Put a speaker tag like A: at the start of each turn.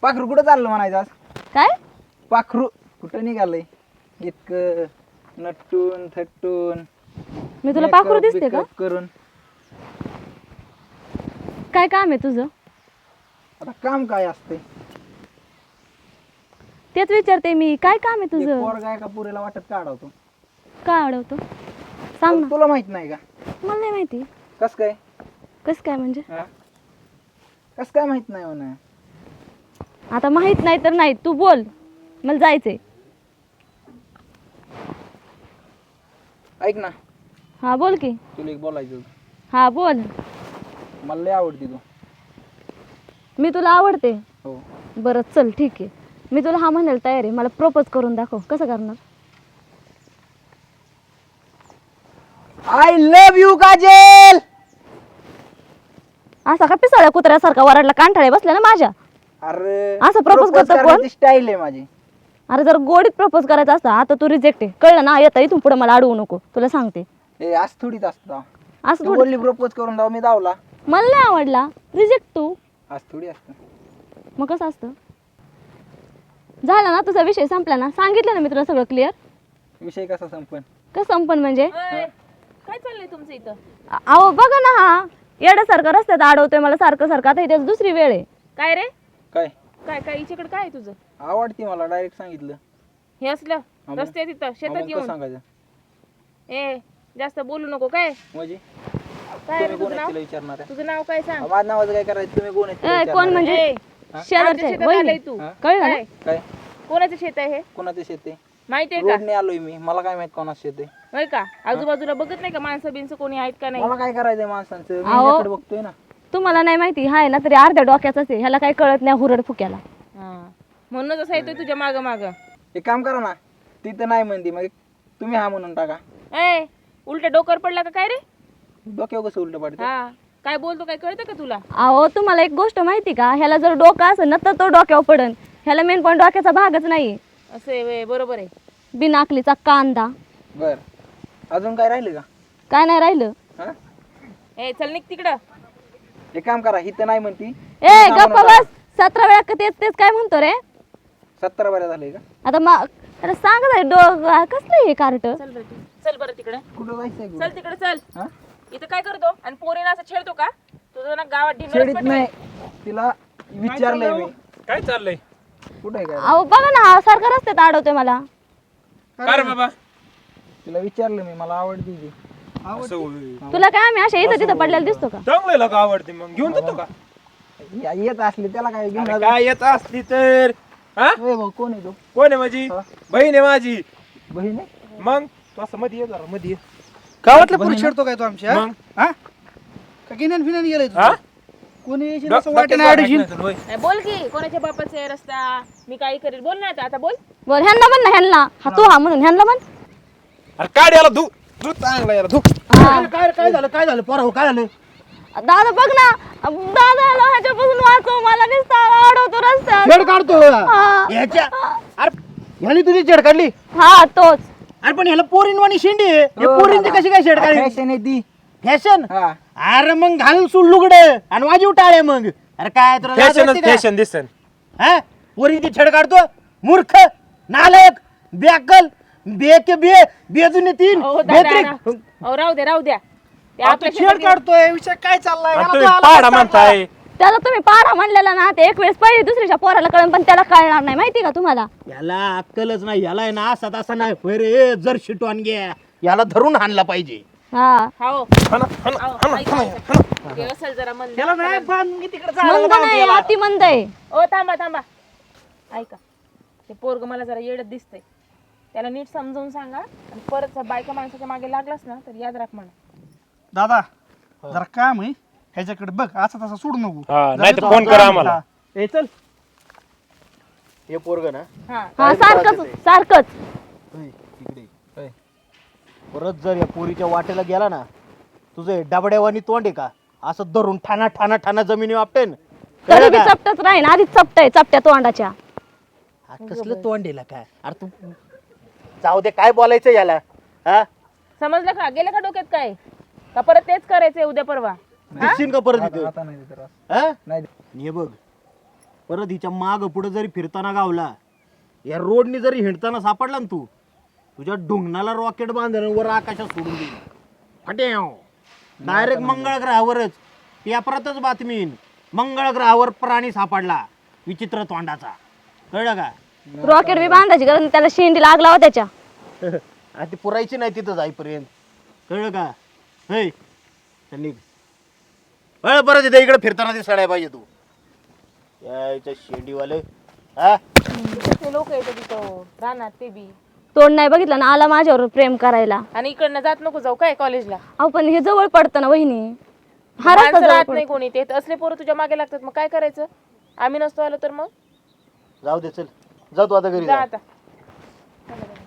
A: पाखरू कुठं चाललं म्हणायचं आज?
B: काय
A: पाखरू कुठं निघालंय इतकं नटून थटून
B: मी तुला पाखरू दिसते का?
A: करून
B: काय काम आहे तुझं?
A: आता काम काय असते?
B: तेच विचारते मी, काय काम आहे तुझं?
A: पोरगा एका पुरीला वाटत काढवतो.
B: काय अडवतो सांग ना.
A: तुला माहित नाही का?
B: मला नाही माहिती.
A: कस काय?
B: कस काय म्हणजे?
A: कस काय माहित नाही म्हणा?
B: आता माहित नाही तर नाही, तू बोल, मला जायचंय.
A: ऐक ना,
B: हा बोल की.
A: तुला एक बोलायचं होतं.
B: हा बोल.
A: मला लय आवडती तू.
B: मी तुला आवडते?
A: हो.
B: बरं चल ठीक आहे, मी तुला हा म्हणायला तयार आहे. मला प्रपोज करून दाखव, कसं करणार?
A: I love you Kajal.
B: असा का पिसाळ्या कुत्र्यासारखा वराडला कांठाळे बसल्या ना माझ्या?
A: अरे
B: असं प्रपोज करतो कोण?
A: स्टाईल आहे माझी.
B: अरे जर गोडीत प्रपोज करायचा असता, आता तू रिजेक्ट आहे, कळलं ना? येता इथून पुढे मला अडवू नको, तुला सांगते.
A: ए आज थोडीच असतं.
B: असं
A: तू
B: थोडी.
A: बोलली प्रपोज करून दाव, मी दावला.
B: मला नाही आवडला, रिजेक्ट तू.
A: आज थोडी असतं.
B: मग कसं असतं? झाला ना तुझा विषय, संपला ना? सांगितलं ना मी तुला सगळं क्लिअर.
A: विषय कसा संपन?
B: कसं संपन म्हणजे?
C: काय चाललंय तुमचं इथं?
B: अहो बघा ना, हा येड्यासारखं रस्त्यात अडवतोय मला सारखं सारखं. आता इथे दुसरी वेळ आहे.
C: काय रे?
A: काय
C: काय काय हिच्याकडे काय आहे तुझं?
A: आवडती मला, डायरेक्ट सांगितलं.
C: हे असलं
A: मग?
C: रस्त्यात इथं शेतात
A: मग कसं
C: येऊन
A: सांगायचं
C: ए जास्त बोलू नको. काय
A: म्हणजे?
C: काय रे
A: तुम्ही कोण
C: तुझं
A: आहे
C: नाव?
A: तिला विचारणार आहे?
C: तुझं नाव काय सांग?
A: माझं नावाचं काय करायचं? तुम्ही कोण आहे तिला
B: ए, कोण
A: विचारणार
B: म्हणजे?
A: आहे?
C: ए,
B: शेजारचे
C: आमच्या शेतात
B: वहिनी.
C: आलाय तू.
A: हा?
B: कळलं ना?
C: काय?
A: काय
C: कोणाचं शेत आहे हे?
A: कोणाचं शेत आहे?
C: माहितीये का?
A: रोडने आलोय मी, मला काय माहित कोणाचं शेत आहे?
C: होय का? आजूबाजूला बघत नाही का माणसं बिनसं कोणी आहेत का नाही?
A: मला काय करायचंय माणसांचं? मी
B: अहो.
A: याकडे बघतोय ना.
B: तुम्हाला नाही माहिती, हाय ना तरी अर्ध्या डोक्याचाच आहे. ह्याला काही कळत नाही हुरड फुक्याला.
C: हा. म्हणूनच असं येतोय तुझ्या माग माग.
A: एक काम करा ना, ती तर नाही म्हणती, मग तुम्ही हा म्हणून टाका.
C: ए उलट डोकर पडला का काय रे?
A: डोक्यावर कसं उलट पडतं?
C: हा काय बोलतो काय कळतं का तुला?
B: अहो तुम्हाला एक गोष्ट माहिती का? ह्याला जर डोकं असेल ना तर तो डोक्यावर पडन. ह्याला मेन पॉईंट डोक्याचा भागच नाही.
C: असं आहे व्हय, बरोबर आहे.
B: बिनाकलीचा कांदा.
A: बर, अजून काय राहिलं का?
B: काय नाही राहिलं.
A: हा?
C: ए चल निघ तिकडं.
A: एक काम करा, ही तर नाही म्हणती.
B: ए गप्पा बस. 17 वेळा तेच तेच काय म्हणतो रे?
A: 17 बऱ्या झालंय का?
B: आता त्याला सांग कसलं हे कार्ट?
C: चल बरं तू. चल बरं तिकडे.
A: कुठं जायचंय?
C: चल तिकडे चल.
A: हा?
C: इथं काय करतो आणि पोरीना असं छेडतो का? तुझं ना गावात
A: शेडीत
C: ढिंगळच
A: नाही, तिला विचारलंय मी.
D: काय चाललंय?
A: कुठे आहे काय?
B: अहो बघा ना, हा सारखा रस्त्यात अडवतोय मला.
D: काय रे बाबा?
A: तिला विचारलं मी, मला आवडती ती.
D: असं होय.
B: तुला काय आम्ही अशा इथं तिथं पडलेला दिसतो का?
D: चांगलं लोक आवडते, मग घेऊन जातो का?
A: येत असली त्याला काय घेऊन
D: अरे
A: जा.
D: काय येत असली तर हा?
A: ए भाऊ, कोण आहे तो?
D: कोण आहे माझी
A: हा?
D: बहीण आहे माझी.
A: बहीण आहे?
D: मग तू असं मध्ये ये जरा मध्ये ये.
E: गावातल्या पुरुष छेडतो काय तो आमच्या
D: मग
E: हा? का गिन्यान फिन्यान गेलाय
D: हा?
E: तू? कोणी येशील
D: डो-
E: असं वाटेनं
D: डोक्यात
E: अडशील.
D: वाटत नाही तुला, होय.
C: नाही, बोल की कोणाच्या बापाचा आहे रस्ता? मी काही करेल बोल ना आता बोल.
B: बोल ह्यांना म्हण ना, ह्यांना हा तू हा म्हणून ह्यांना म्हण.
D: अरे काढ याला धू धू चांगला याला धू.
B: हा.
E: काय झालं पोरा काय झालं?
B: दादा बघ ना, दादा ह्याच्यापासून वाचव, मला नुसता अडवतो रस्त्यात.
E: छेड काढतो
B: हा.
E: ह्याच्या अरे ह्याने तुझी छेड काढली.
B: हा तोच.
E: अरे पण ह्याला पोरीनवाणी शेंडी आहे. हे पोरींची कशी काय छेड काढली?
A: फॅशन आहे ती.
E: फॅशन?
A: हा.
E: अरे मग घाल सूड लुगडे आणि वाजीव टाळे मग. अरे काय तुला लाज
D: फॅशनच
E: वाटते का?
D: फॅशन दिसन.
E: हा? पोरींची छेड काढतो मूर्ख नालायक बेअक्कल बेजुने तीन
C: हो दादा
E: बेत्रिक.
C: हो राहू द्या. ते
E: आता
C: आपल्या
E: छेड
C: शेतात
E: काढतोय विषय काय चाललाय?
D: आणि
E: याला
D: तुम्ही
E: तो आला
D: पाडा
E: चांगला.
D: म्हणताय.
B: त्याला तुम्ही पाडा म्हणलेला ना, ते एक वेळेस पहिली दुसरीच्या पोराला कळण, पण त्याला कळणार नाही. माहिती का तुम्हाला?
E: याला अक्कलच नाही. याला आहे ना असा तसा नाही होय रे. जर शिटवान घ्या याला धरून हाणला पाहिजे.
B: हा
C: हो
D: हाणा, हाणा, हाणा, हाणा, हाणा.
C: ते असेल जरा मन.
E: त्याला नाही बांधून तिकडे
B: मंद नाही, अति मंद आहे.
C: ओ थांबा ऐका, ते पोरग मला जरा येडत दिसतंय. त्याला नीट समजावून सांगा आणि परत बायका माणसाच्या मागे लागलास ना तर याद राख म्हणा.
E: दादा जरा काम आहे ह्याच्याकडे बघ. असा तसा सोडू नको.
D: हा, नाही तर फोन करा आम्हाला.
E: ए चल हे पोरग ना
C: हा
B: हा सारखंच.
E: इकडे परत जर या पोरीच्या वाटेला गेला ना, तुझे डबड्यावानी तोंड आहे का असं धरून ठाणा ठाणा ठाणा जमिनी वापटेन.
B: तरी बी चपटच राहीन. आधीच चपटय चपट्या तोंडाच्या.
E: कसलं तोंड आहे का? अरे तू जाऊ दे, काय बोलायचं याला? हा
C: समजलं का? गेलं का डोक्यात काय? का परत तेच करायचंय उद्या परवा?
E: दिसशील का परत इथे?
A: आता नाही देत त्रास.
E: हा?
A: नाही देत.
E: हे बघ परत हिच्या माग पुढे जरी फिरताना गावला, या रोडनी जरी हिंडताना सापडला ना तू, तुझ्या ढुंगणाला रॉकेट बांधून वर आकाशात सोडून देईल. फट्याव डायरेक्ट मंगळ ग्रहावरच पेपरातच बातमी येईन, मंगळ ग्रहावर प्राणी सापडला विचित्र तोंडाचा. कळलं का?
B: रॉकेट बी बांधायची गरज नाही, त्याला शेंडी लागला हो त्याच्या.
E: आणि ती पुरायची नाही तिथं जाईपर्यंत. कळलं का? हे चल निघ. परत इथे इकडे फिरताना दिसायला पाहिजे तू. यायच्या शेंडीवाले हा.
C: ते लोक येतात तिथं राहणार ते बी.
B: तोंड नाही बघितलं ना, आला माझ्यावर प्रेम करायला.
C: आणि इकडनं जात नको जाऊ काय कॉलेजला.
B: अहो पण हे जवळ पडतं ना वहिनी, हा रस्ता
C: माणसं
B: जवळ
C: राहत
B: पडतो.
C: नाही कोणी, ते असले पोरं तुझ्या मागे लागतात, मग काय करायचं? आम्ही नसतो आलो तर मग
E: जाऊ दे, चल जा तू आता घरी
C: जा
E: जा.
C: आता.